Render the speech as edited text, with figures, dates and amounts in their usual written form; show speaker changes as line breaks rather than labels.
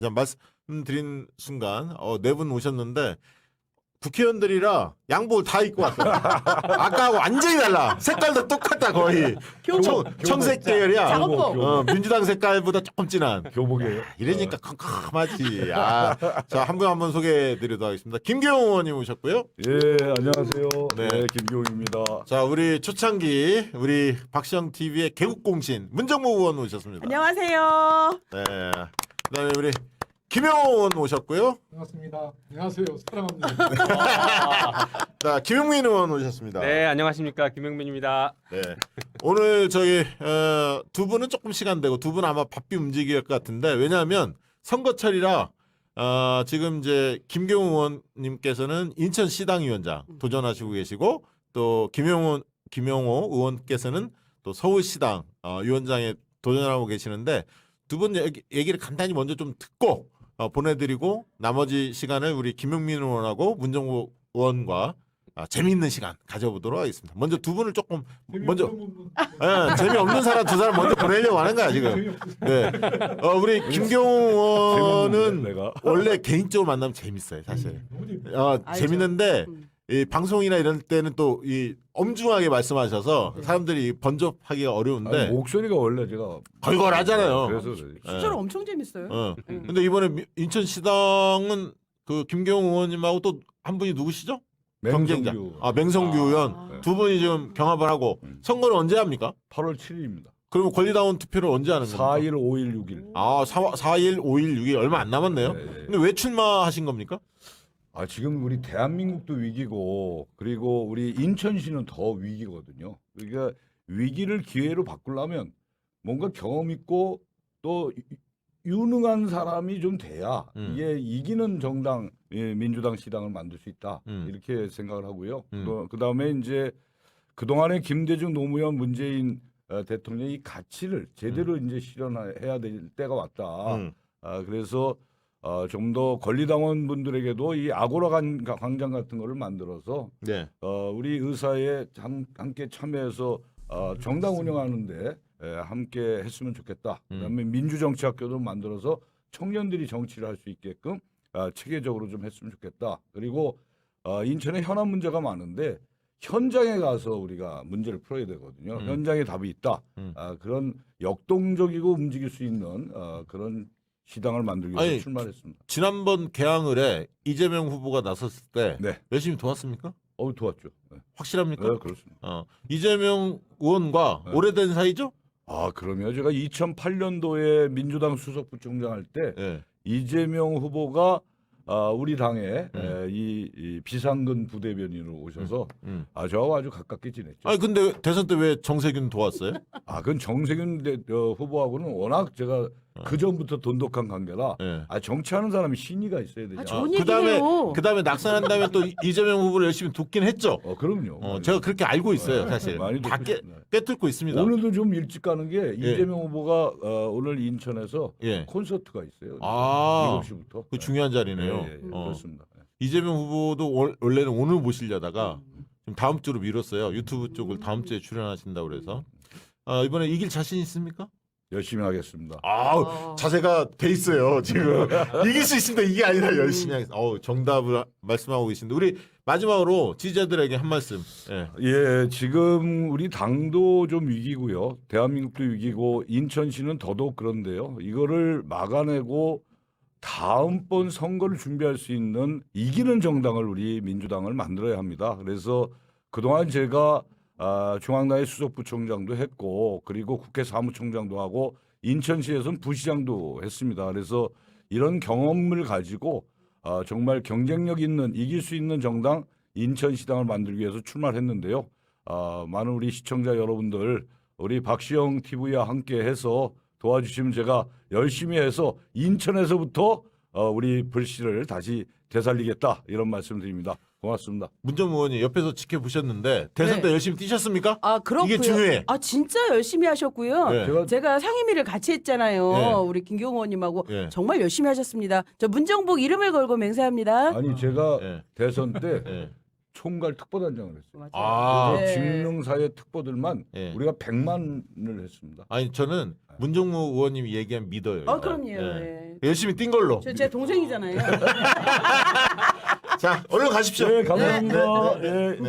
그냥 말씀드린 순간 네 분 오셨는데 국회의원들이라 양복을 다 입고 왔어요. 아까하고 완전히 달라. 색깔도 똑같다 거의. 청색 계열이야.
작업복.
민주당 색깔보다 조금 진한.
교복이에요.
이러니까 컴컴하지. 자, 한 분 한 분 소개해드리도록 하겠습니다. 김경호 의원님 오셨고요.
예, 안녕하세요.
네.
네, 김기호입니다.
자, 우리 초창기 우리 박시영 TV의 개국공신 문정모 의원 오셨습니다.
안녕하세요.
네. 그다음에 우리 김영호 의원 오셨고요.
반갑습니다. 안녕하세요. 사랑합니다.
자, 김용민 의원 오셨습니다.
네, 안녕하십니까. 김영민입니다.
네. 오늘 저기 두 분은 조금 시간 되고 두 분 아마 바삐 움직일 것 같은데 왜냐하면 선거철이라 지금 이제 김경호 의원님께서는 인천시당위원장 도전하시고 계시고 또 김용호 의원께서는 또 서울시당 위원장에 도전하고 계시는데 두 분 얘기를 간단히 먼저 좀 듣고 보내드리고 나머지 시간을 우리 김용민 의원하고 문정호 의원과 재미있는 시간 가져보도록 하겠습니다. 먼저 두 분을 조금 먼저 재미없는 사람 두 사람 먼저 보내려고 하는 거야 지금. 네, 우리 김경호 의원은
내가.
원래 개인적으로 만나면 재밌어요 사실. 재밌는데 이 방송이나 이럴 때는 또 이 엄중하게 말씀하셔서 사람들이 번접하기가 어려운데
아니, 목소리가 원래 제가
걸걸하잖아요.
그래서 그래요.
실제로 엄청 재밌어요.
근데 이번에 인천시당은 그 김경호 의원님하고 또 한 분이 누구시죠? 경쟁자.
맹성규.
맹성규 의원 두 분이 지금 경합을 하고 선거는 언제 합니까?
8월 7일입니다.
그러면 권리다운 투표를 언제 하는 겁니까?
4일, 5일, 6일.
4일, 5일, 6일 얼마 안 남았네요.
네.
근데 왜 출마하신 겁니까?
지금 우리 대한민국도 위기고 그리고 우리 인천시는 더 위기거든요. 그러니까 위기를 기회로 바꾸려면 뭔가 경험 있고 또 유능한 사람이 좀 돼야 이게 이기는 정당, 민주당 시당을 만들 수 있다. 이렇게 생각을 하고요. 그다음에 이제 그동안에 김대중 노무현 문재인 대통령이 이 가치를 제대로 이제 실현해야 될 때가 왔다. 그래서 좀 더 권리당원 분들에게도 이 아고라 광장 같은 거를 만들어서
네.
우리 의사에 함께 참여해서 정당 운영하는데 함께 했으면 좋겠다. 그다음에 민주정치학교도 만들어서 청년들이 정치를 할 수 있게끔 체계적으로 좀 했으면 좋겠다. 그리고 인천에 현안 문제가 많은데 현장에 가서 우리가 문제를 풀어야 되거든요. 현장에 답이 있다. 그런 역동적이고 움직일 수 있는 그런 시당을 만들기 위해서 출마했습니다.
지난번 개항을에 이재명 후보가 나섰을 때
네.
열심히 도왔습니까?
도왔죠. 네.
확실합니까?
네, 그렇습니다.
이재명 의원과 오래된 사이죠?
그러면 제가 2008년도에 민주당 수석부총장 할 때
네.
이재명 후보가 우리 당에 이 비상근 부대변인으로 오셔서 저하고 아주 가깝게 지냈죠.
근데 대선 때 왜 정세균 도왔어요?
그건 정세균 후보하고는 워낙 제가 그 전부터 돈독한 관계라.
네.
정치하는 사람이 신의가 있어야 되잖아.
좋은
그다음에
얘기예요.
낙선한 다음에 또 이재명 후보를 열심히 돕긴 했죠.
그럼요.
제가 그렇게 알고 있어요, 사실.
많이
다
돕습니다.
꿰뚫고 있습니다.
오늘도 좀 일찍 가는 게 이재명 후보가 오늘 인천에서
예.
콘서트가 있어요. 7시부터.
그 중요한 자리네요.
그렇습니다.
이재명 후보도 원래는 오늘 모시려다가 지금 다음 주로 미뤘어요. 유튜브 쪽을 다음 주에 출연하신다고 그래서 이번에 이길 자신 있습니까?
열심히 하겠습니다.
자세가 돼 있어요 지금. 이길 수 있습니다. 이게 아니라 열심히 하겠습니다. 정답을 말씀하고 계신데 우리 마지막으로 지지자들에게 한 말씀.
예, 지금 우리 당도 좀 위기고요. 대한민국도 위기고 인천시는 더더욱 그런데요. 이거를 막아내고 다음번 선거를 준비할 수 있는 이기는 정당을 우리 민주당을 만들어야 합니다. 그래서 그동안 제가 중앙당의 수석부총장도 했고 그리고 국회 사무총장도 하고 인천시에서는 부시장도 했습니다. 그래서 이런 경험을 가지고 정말 경쟁력 있는 이길 수 있는 정당 인천시당을 만들기 위해서 출마를 했는데요. 많은 우리 시청자 여러분들 우리 박시영 TV와 함께 해서 도와주시면 제가 열심히 해서 인천에서부터 우리 불씨를 다시 되살리겠다 이런 말씀드립니다. 고맙습니다.
문정무 의원이 옆에서 지켜보셨는데 대선 때 열심히 뛰셨습니까?
그렇고요.
이게 중요해.
진짜 열심히 하셨고요.
네.
제가 상임위를 같이 했잖아요.
네.
우리 김경호 의원님하고
네.
정말 열심히 하셨습니다. 저 문정복 이름을 걸고 맹세합니다.
아니 제가
네.
대선 때
네.
총괄 특보단장을 했어요.
맞아요.
아.
그래서
네.
직능사의 특보들만
예.
우리가 100만을 했습니다.
아니 저는 문정무 의원님이 얘기하면 믿어요. 일단.
그럼요.
예.
예.
열심히 뛴 걸로.
제 동생이잖아요.
자, 얼른 가십시오.
네, 감사합니다.
네, 네, 네.
예.